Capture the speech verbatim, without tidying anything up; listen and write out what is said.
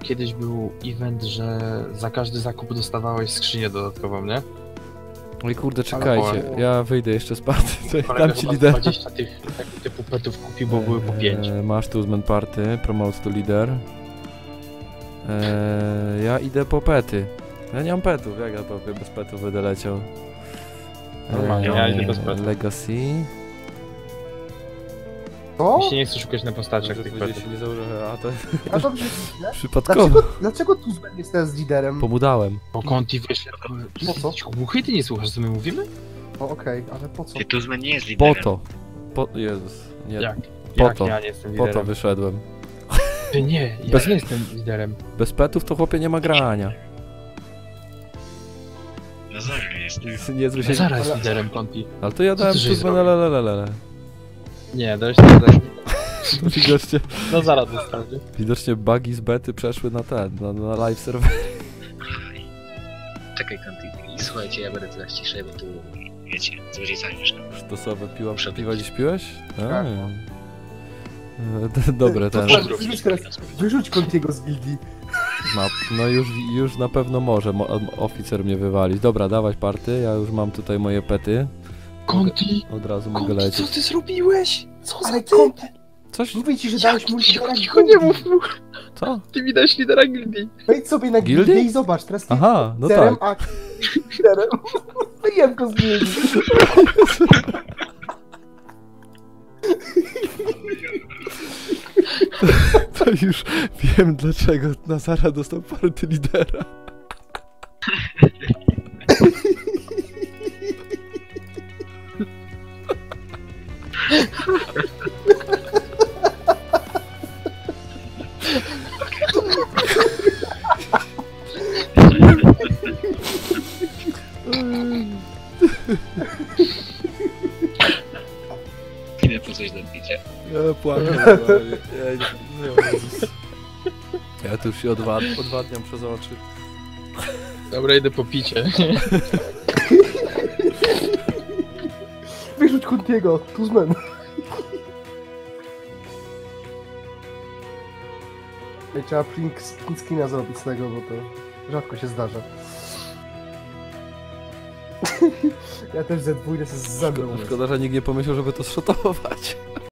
kiedyś był event, że za każdy zakup dostawałeś skrzynię dodatkową, nie? Oj kurde, czekajcie, Ale- ja wyjdę jeszcze z party, to Kolega dam ci chyba lider. dwadzieścia tych takich typu petów kupił, bo były po pięć. Eee, masz tu zmen party, promote to leader. Eee, ja idę po pety. Ja nie mam petów, jak ja powiem, bez petów będę leciał. Normalnie, ja idę bez petów. Legacy. O? Jeśli nie chcesz szukać na postaciach tych petów. się nie założę, a to A dobrze, nie? przypadkowo. Dlaczego, dlaczego Tuzben jest teraz liderem? Pomudałem. Bo Conti wyszedł. Po co? Głuchy, ty nie słuchasz, co my mówimy? O, okej, ale po co? Ty Tuzman nie jest Po liderem. to. Po... Jezus. Nie. Jak? Po Jak to. ja nie jestem Po to liderem? wyszedłem. Ty nie, ja Bez- nie jestem liderem. Bez petów to chłopie nie ma grania. No zaraz jest. Niezły się... Zara jest Ale- liderem Conti. Ale to ja Co dałem ty żeś tu zrobił? lelelelele. Nie, dałeś to liderem. Widocznie, No Zara dostał, nie? widocznie bugi z bety przeszły na ten, na, na live serwer. Czekaj, Kanty. Słuchajcie, ja będę teraz ciszej, bo tu, wiecie, z rodzicami mieszkam. Sztosowe piła, Muszę piwa być. dziś piłeś? A. Tak. E, d- Dobre ten. Tuzben, wyrzuć teraz, wyrzuć Contiego z gildii. No, no już, już na pewno może mo oficer mnie wywalić. Dobra, dawać party, ja już mam tutaj moje pety. Conti! Od razu mogę Conti, co lecieć. ty zrobiłeś? Co Ale za ty- Conti? Coś? Mówię ci, że dałeś mu Cicho, lidera cicho, nie gildii. mów mu! Co? Ty mi dałeś lidera gildii. Wejdź sobie na Gildii? gildię i zobacz, teraz ty Aha, no liderem, tak. a liderem. Wyjem go z gildii. To już wiem dlaczego Nazara dostał party lidera. Idę po coś do picia. Ja płaczę. normalnie. Ja, nie, Jezus. Ja tu już się odwad odwadniam przez oczy. Dobra, idę po picie. Wyrzuć Contiego, Tuzben. Ej, trzeba print, print screena zrobić z tego, bo to rzadko się zdarza. Ja też ze dwójkę z zębem. Szkoda, że nikt nie pomyślał, żeby to zszotować.